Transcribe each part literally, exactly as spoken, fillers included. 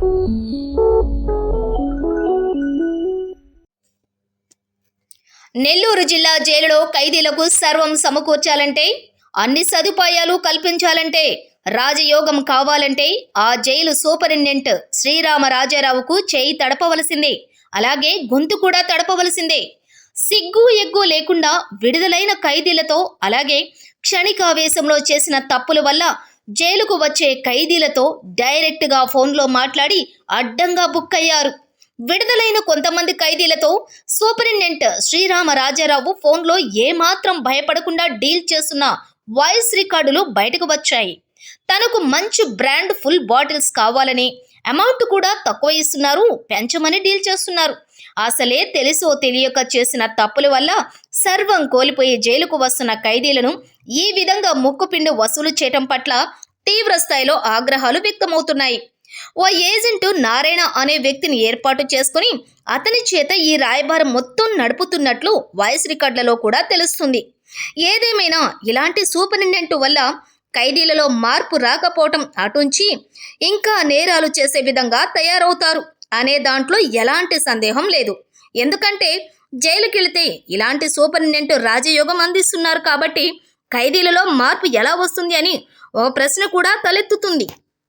నెల్లూరు జిల్లా జైలులో ఖైదీలకు సర్వం సమకూర్చాలంటే, అన్ని సదుపాయాలు కల్పించాలంటే, రాజయోగం కావాలంటే ఆ జైలు సూపరింటెండెంట్ శ్రీరామ రాజారావుకు చేయి తడపవలసిందే. అలాగే గొంతు కూడా తడపవలసిందే. సిగ్గు ఎగ్గు లేకుండా విడుదలైన ఖైదీలతో, అలాగే క్షణికావేశంలో చేసిన తప్పుల వల్ల జైలుకు వచ్చే ఖైదీలతో డైరెక్ట్గా ఫోన్లో మాట్లాడి అడ్డంగా బుక్ అయ్యారు. విడుదలైన కొంతమంది ఖైదీలతో సూపరింటెండెంట్ శ్రీరామ రాజారావు ఫోన్లో ఏమాత్రం భయపడకుండా డీల్ చేస్తున్న వాయిస్ రికార్డులు బయటకు వచ్చాయి. తనకు మంచి బ్రాండ్ ఫుల్ బాటిల్స్ కావాలని, అమౌంట్ కూడా తక్కువ ఇస్తున్నారు, పెంచమని డీల్ చేస్తున్నారు. అసలే తెలుసో తెలియక చేసిన తప్పుల వల్ల సర్వం కోల్పోయి జైలుకు వస్తున్న ఖైదీలను ఈ విధంగా ముక్కుపిండి వసూలు చేయటం పట్ల తీవ్ర స్థాయిలో ఆగ్రహాలు వ్యక్తమవుతున్నాయి. ఓ ఏజెంటు నారాయణ అనే వ్యక్తిని ఏర్పాటు చేసుకుని అతని చేత ఈ రాయబారం మొత్తం నడుపుతున్నట్లు వాయిస్ రికార్డులలో కూడా తెలుస్తుంది. ఏదేమైనా ఇలాంటి సూపరింటెండెంట్ వల్ల ఖైదీలలో మార్పు రాకపోవటం అటుంచి ఇంకా నేరాలు చేసే విధంగా తయారవుతారు అనే దాంట్లో ఎలాంటి సందేహం లేదు. ఎందుకంటే జైలుకి వెళితే ఇలాంటి సూపరింటెండెంట్ రాజయోగం అందిస్తున్నారు కాబట్టి ఖైదీలలో మార్పు ఎలా వస్తుంది అని ఒక ప్రశ్న కూడా తలెత్తుతుంది.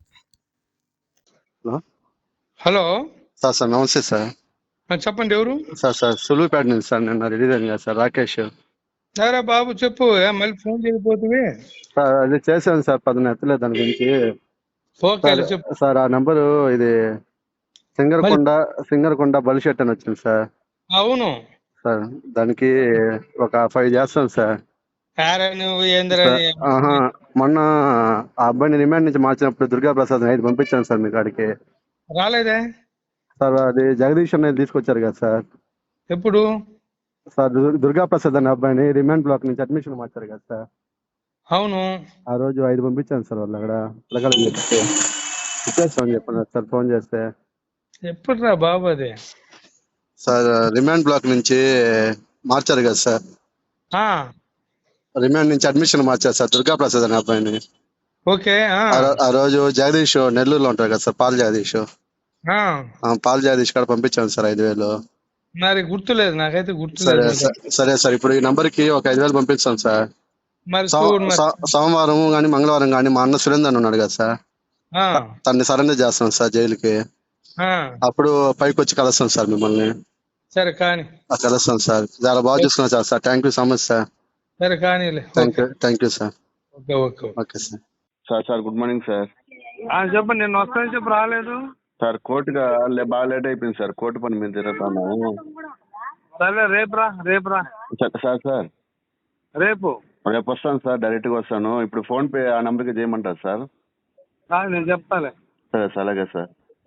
హలో సార్ సార్ నమస్తే సార్. చెప్పండి, ఎవరు సార్ సార్ సులువుపేట నుంచి సార్ నిన్న రిలీజ్ అయింది కదా సార్, రాకేష్. సరే బాబు చెప్పు, మళ్ళీ ఫోన్ చేయకపోతే. సార్ అది చేశాను సార్, పదన ఎత్తలేదు దాని గురించి. ఓకే చెప్పు సార్ ఆ నంబరు ఇది సింగరకొండ సింగరకొండ బలిషెట్ అని వచ్చింది సార్. అవును సార్ దానికి ఒక ఫైవ్ చేస్తాను సార్. నువ్వు ఆహా మొన్న ఆ అబ్బాయిని రిమాండ్ నుంచి మార్చినప్పుడు దుర్గా ప్రసాద్ ఐదు పంపించాను సార్ మీ కాడికి. రాలేదే సార్ అది జగదీష్ అనేది తీసుకొచ్చారు కదా సార్. ఎప్పుడు సార్ దుర్గా ప్రసాద్ అనే అబ్బాయిని రిమాండ్ బ్లాక్ నుంచి అడ్మిషన్ మార్చారు కదా సార్. అవును ఆ రోజు ఐదు పంపించాను సార్. వాళ్ళు అక్కడ పిల్లగాళ్ళని చెప్తే ఇచ్చేస్తామని చెప్పన్నారు సార్ ఫోన్ చేస్తే. ఎప్పుడు రా బాబు అది? సార్ రిమాండ్ బ్లాక్ నుంచి మార్చారు కదా సార్. రిమాండ్ నుంచి అడ్మిషన్ మార్చారు సార్ దుర్గా ప్రసాద్ అనే అబ్బాయిని. ఓకే ఆ రోజు జగదీష్ నెల్లూరులో ఉంటారు కదా sir, Paul Jagadish. Paul Jagadish కాడ పంపించాను సార్ ఐదు వేలు. మరి గుర్తులేదు, నాకైతే గుర్తు. సరే సరే సార్, ఇప్పుడు ఈ నంబర్ కి ఒక ఐదు వేలు పంపిస్తాను సార్. సోమవారం గానీ మంగళవారం గానీ మా అన్న సురేందర్ ఉన్నాడు కదా సార్, తన్ని సరెండర్ చేస్తాను సార్ జైలుకి. అప్పుడు పైకి వచ్చి కలుస్తాం సార్ మిమ్మల్ని. సరే కానీ కలుస్తాం సార్. చాలా బాగా చూసుకున్నాం sir. Sir thank you so much sir. సరే కానీ thank you thank you sir. Okay okay okay sir. Sir sir good morning sir. చెప్పండి, నేను వస్తాను చెప్పు. రాలేదు సార్, కోర్టుగా బాగా లేట్ అయిపోయింది సార్, కోర్టు పని మీద తిరుగుతాను. సరే రేపు రా రేపు రా సార్ సార్ రేపు రేపు వస్తాను సార్, డైరెక్ట్ గా వస్తాను. ఇప్పుడు ఫోన్ పే ఆ నంబర్ కి చేయమంటారు సార్? నేను చెప్తాలే. సరే సార్, అలాగే సార్.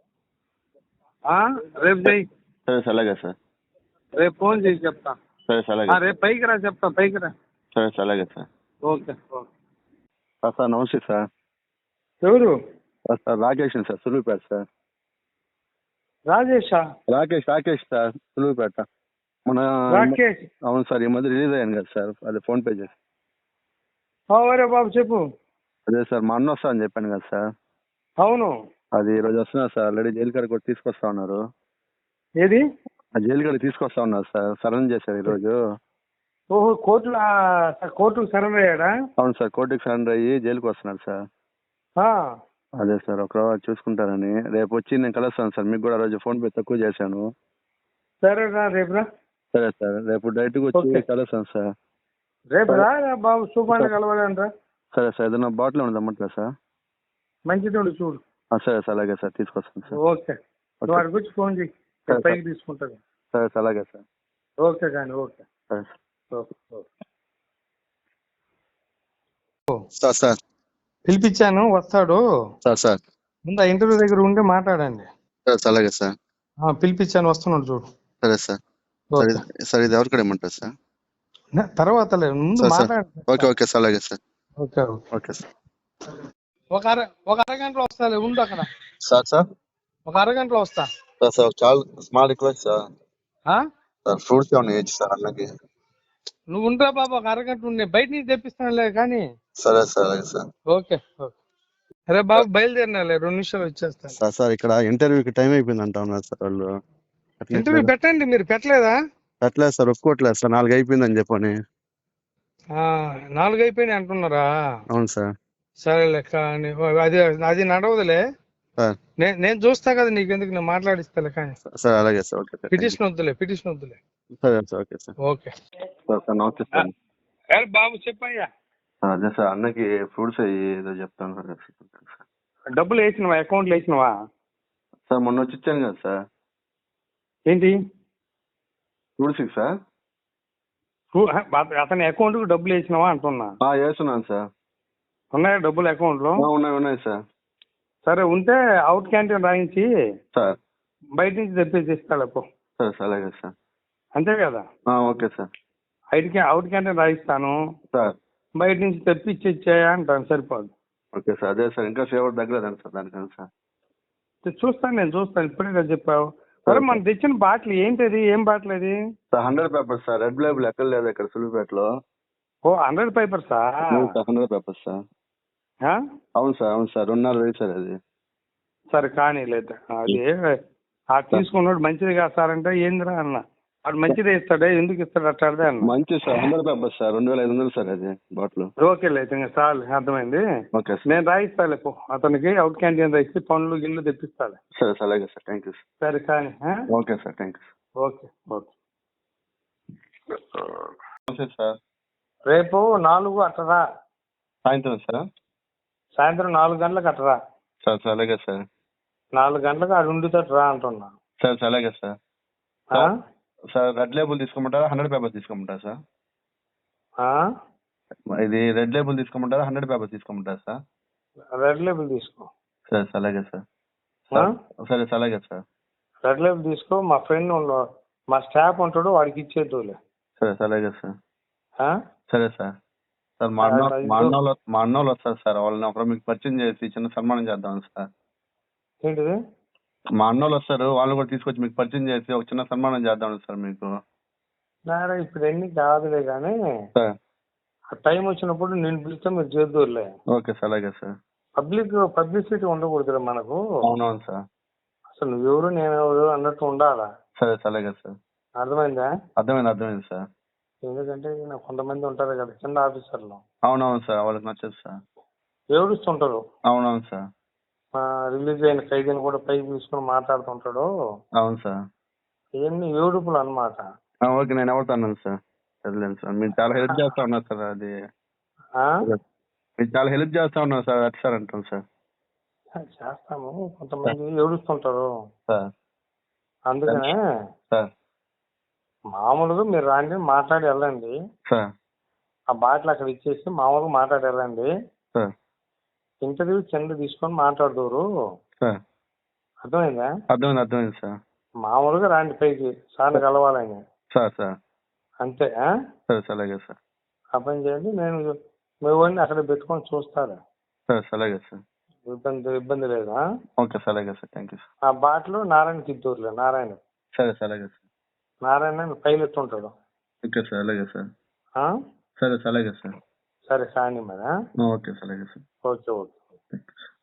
రేపు చెయ్యి. సరే సార్, అలాగే సార్. రేపు ఫోన్ చేసి చెప్తా. సరే సార్, అలాగే. రేపు పైకి రా చెప్తా, పైకి రా. సరే సార్, అలాగే sir. Okay okay sir. Sir నమస్తే సార్. ఎవరు? Sir Rakesh sir, Suluvupeta sir. రాజేషా? రాకేష్ రాకేష్ సార్, సులువుపేట. మన రాకేష్? అవును సార్, ఈ మధ్య రిలీజ్ అయ్యాను కదా సార్, అదే ఫోన్ పే చేసి. అవరే బాబు చెప్పు. అదే సార్ మా అన్న వస్తా అని చెప్పాను కదా సార్. అవును, అది ఈ రోజు వస్తున్నారు సార్. ఆల్రెడీ జైలు కాడికి కూడా తీసుకొస్తా ఉన్నారు. ఏది? ఆ జైలు కాడికి తీసుకొస్తా ఉన్నారు సార్, సరెండర్ చేశారు ఈ రోజు. ఓహో, కోర్టులో కోర్టుకు సరెండర్ అయ్యాడా? అవును సార్, కోర్టుకి సరెండర్ అయ్యి జైలుకి వస్తున్నారు సార్. అదే సార్, ఒక రోజు చూసుకుంటారని రేపు వచ్చి నేను కలుస్తాను సార్. మీకు కూడా రోజు ఫోన్ పే తక్కువ చేశాను. సరే రా రేపు రా. సరే సార్, రేపు డైరెక్ట్ గా వచ్చి కలుస్తాను సార్. రేపు రా బాబు, సూపర్ కలవాలంటరా. సరే సార్, ఏదైనా బాటిల్ ఉండదు అమ్మట్లే సార్? మంచిది ఉండి చూడు. సరే సార్, అలాగే సార్, తీసుకొస్తాను సార్. ఓకే, నువ్వు అక్కడికి వచ్చి ఫోన్ చేయి, పైకి తీసుకుంటాను. సరే సార్, అలాగే సార్. ఓకే కానీ ఓకే. సరే సార్. సార్ పిలిపించాను, వస్తాడు సార్. సార్ ముందు ఆ ఇంటర్వ్యూ దగ్గర ఉండి మాట్లాడండి. సరే సార్, అలాగే సార్. పిలిపించాను, వస్తున్నాడు చూడు. సరే సార్. సార్ ఇది ఎవరు కూడా ఏమంటారు సార్? తర్వాత లేదు, ముందు మాట్లాడండి. ఓకే ఓకే సార్, అలాగే సార్. Okay okay sir. ఒక అర ఒక అరగంటలో వస్తా, ఉండు అక్కడ. సార్ సార్ ఒక అరగంటలో వస్తా సార్. సార్ చాలా small request sir. Sir fruits ఏమన్నా ఇచ్చి సార్ అన్నకి. నువ్వు ఉంటా బాబు, ఒక అరగంట ఉండే బయట నుంచి తెప్పిస్తానులే కానీ. సరే సార్, అలాగే సార్. Okay okay. అరే బాబు బయలుదేరినాలే రెండు నిమిషాలు వచ్చేస్తాను. సార్ సార్ ఇక్కడ ఇంటర్వ్యూకి టైం అయిపోయింది అంటా ఉన్నారు సార్ వాళ్ళు. అట్లా ఇంటర్వ్యూ ఎట్లా? పెట్టండి, మీరు పెట్టలేదా? పెట్టలేదు సార్, ఒప్పుకోవట్లేదు సార్, నాలుగు అయిపోయిందని చెప్పని. ఆ, నాలుగు అయిపోయినాయి అంటున్నారా? అవును సార్. సరే లెక్క అది అది నడవదులే. సార్ నే- నేను చూస్తా కదా, నీకెందుకు, నేను మాట్లాడిస్తాలే. కానీ సార్ అలాగే sir, okay sir, thank you. Petition వద్దులే, పిటిషన్ వద్దులే. సరే sir, okay sir. Okay sir sir నమస్తే సార్. అరే బాబు చెప్పయ్యా. సార్ అదే సార్ అన్నకి ఫ్రూట్స్ అయ్యి ఏదో చెప్తాను సార్. డబ్బులు వేసినవా? అకౌంట్లో వేసినవా? సార్ మొన్న వచ్చి ఇచ్చాను కదా సార్. ఏంటి? Fruits sir. ఊ- అత- అతని అకౌంట్ కు డబ్బులు వేసినావా అంటున్నా. ఆ, వేస్తున్నాను సార్. ఉన్నాయా డబ్బులు అకౌంట్ లో? ఆ, ఉన్నాయి ఉన్నాయి సార్. సరే ఉంటే అవుట్ క్యాంటీన్ రాయించి సార్ బయట నుంచి తెప్పేసి ఇస్తాడు పో. సరే సార్, అలాగే సార్. అంతే కదా? ఆ, ఓకే సార్. ఐదు క్యా అవుట్ క్యాంటీన్ రాయిస్తాను, సార్ బయట నుంచి తెప్పించి ఇచ్చేయా అంటాను, సరిపోదు. ఓకే సార్, అదే సార్, ఇంకా ఫేవర్ తగ్గలేదండి సార్ దానికని సార్. చూస్తాను, నేను చూస్తాను. ఇప్పుడే కదా చెప్పావు. సరే మనం తెచ్చిన బాటిల్ ఏంటిది? ఏం బాటిల్ అది? Sir hundred papers sir, red label ఎక్కడ లేదు ఇక్కడ సులువుపేటలో. ఓ హండ్రెడ్ పేపర్సా? అవును సార్, హండ్రెడ్ పేపర్స్ సార్. అవును సార్, అవును సార్, రెండున్నర వెయ్యి సార్ అది. సరే కానీ లేదు అది, ఆ తీసుకున్నాడు మంచిది కాదు సార్ అంటే ఏందిరా అన్న. వాడు మంచిదే ఇస్తాడే, ఎందుకు ఇస్తాడు అట్టాడే అన్న. మంచి సార్, హండ్రెడ్ పేపర్స్ సార్, రెండు వేల ఐదు వందలు సార్ అది బాటిల్. ఓకే లేదు ఇంకా చాలు, అర్థమైంది. Okay sir. నేను రాయిస్తాలే పో, అతనికి అవుట్ క్యాంటీన్ రాయిస్తే పనులు గిల్లు తెప్పిస్తాలే. సరే సార్, అలాగే సార్, థ్యాంక్ యూ సార్. సరే కానీ okay sir, thank you. Okay okay. నమస్తే సార్. రేపు నాలుగు అట్టరా, సాయంత్రం సార్. సాయంత్రం నాలుగు గంటలకు అట్టరా. సార్ సార్, అలాగే సార్. నాలుగు గంటలకు ఆడు ఉండుతోటి రా అంటున్నా. సార్ సార్, అలాగే సార్. ఆ? సార్ రెడ్ లేబుల్ తీసుకోమంటారా, హండ్రెడ్ పేపర్స్ తీసుకోమంటారా సార్? ఆ? ఇది రెడ్ లేబుల్ తీసుకోమంటారా, హండ్రెడ్ పేపర్స్ తీసుకోమంటారా సార్? రెడ్ లేబుల్ తీసుకో. సరే సార్, అలాగే సార్. ఆ? సరే సార్, అలాగే సార్. రెడ్ లేబుల్ తీసుకో. మా ఫ్రెండ్ ఉన్న- మా స్టాఫ్ ఉంటాడు, వాడికి ఇచ్చేద్దులే. సరే సార్, అలాగే సార్. ఆ? సరే సార్. సార్ మా అన్న మా అన్నోళ్ళు మా అన్నోళ్ళు వస్తారు సార్, వాళ్ళని ఒకరు మీకు పరిచయం చేసి చిన్న సన్మానం చేద్దాం సార్. ఏంటిది? మా అన్నోళ్ళు వస్తారు, వాళ్ళు కూడా తీసుకొచ్చి మీకు పరిచయం చేసి ఒక చిన్న సన్మానం చేద్దాం సార్ మీకు. నారా ఇప్పుడు ఎన్ని కాదులే కానీ, సార్ ఆ టైం వచ్చినప్పుడు నేను పిలిస్తే మీరు చేద్దులే. ఓకే సార్, అలాగే సార్. పబ్లిక్ పబ్లిసిటీ ఉండకూడదు మనకు. అవునవును సార్. అసలు నువ్వెవరు నేను ఎవరు అన్నట్టు ఉండాలా. సరే సార్, అలాగే సార్. అర్థమైందా? అర్థమైంది అర్థమైంది సార్. ఎందుకంటే ఈయన కొంతమంది ఉంటారు కదా కింద ఆఫీసర్లు, అవునవును సార్, వాళ్ళకి నచ్చదు సార్. ఏడుస్తుంటారు. అవునవును సార్. రిలీజ్ అయిన ఖైదీని కూడా పైకి తీసుకుని మాట్లాడుతుంటాడు. అవును సార్. ఇవన్నీ ఏడుపులు అన్నమాట. ఆ, ఓకే, నేను ఎవరితో అన్నాను సార్, సరేలేండి సార్, మీరు చాలా హెల్ప్ చేస్తా ఉన్నారు సార్. అది ఆ? మీరు చాలా హెల్ప్ చేస్తా ఉన్నారు సార్, అటు సార్ అంటాం సార్. చేస్తాము, కొంతమంది ఏడుస్తుంటారు. సార్ అందుకనే సార్. మామూలుగా మీరు రాండి, మాట్లాడి వెళ్ళండి. సార్ ఆ బాటిల్ అక్కడ ఇచ్చేసి మామూలుగా మాట్లాడి వెళ్ళండి. సార్ ఇంటర్వ్యూ కింద తీసుకొని మాట్లాడదురు. సార్ అర్థమైందా? అర్థమైంది అర్థమైంది సార్. మామూలుగా రాండి పైకి, సార్ని కలవాలని. సార్ సార్ అంతే. ఆ? సరే సార్, అలాగే సార్. ఆ పని చేయండి. నేను మీ వాడిని అక్కడ పెట్టుకొని చూస్తాను. సరే సార్, అలాగే సార్. ఇబ్బంది ఇబ్బంది లేదా? ఓకే సార్, అలాగే సార్, థ్యాంక్ యూ సార్. ఆ బాటిల్ నారాయణకి ఇద్దరులే. నారాయణ సరే సార్, అలాగే సార్. నారాయణ పైలట్ ఉంటాడు. ఓకే సార్, అలాగే సార్. ఆ? సరే సార్, అలాగే సార్. సరే కానీ మరి. ఓకే సార్, అలాగే sir. Okay okay. Thank you sir.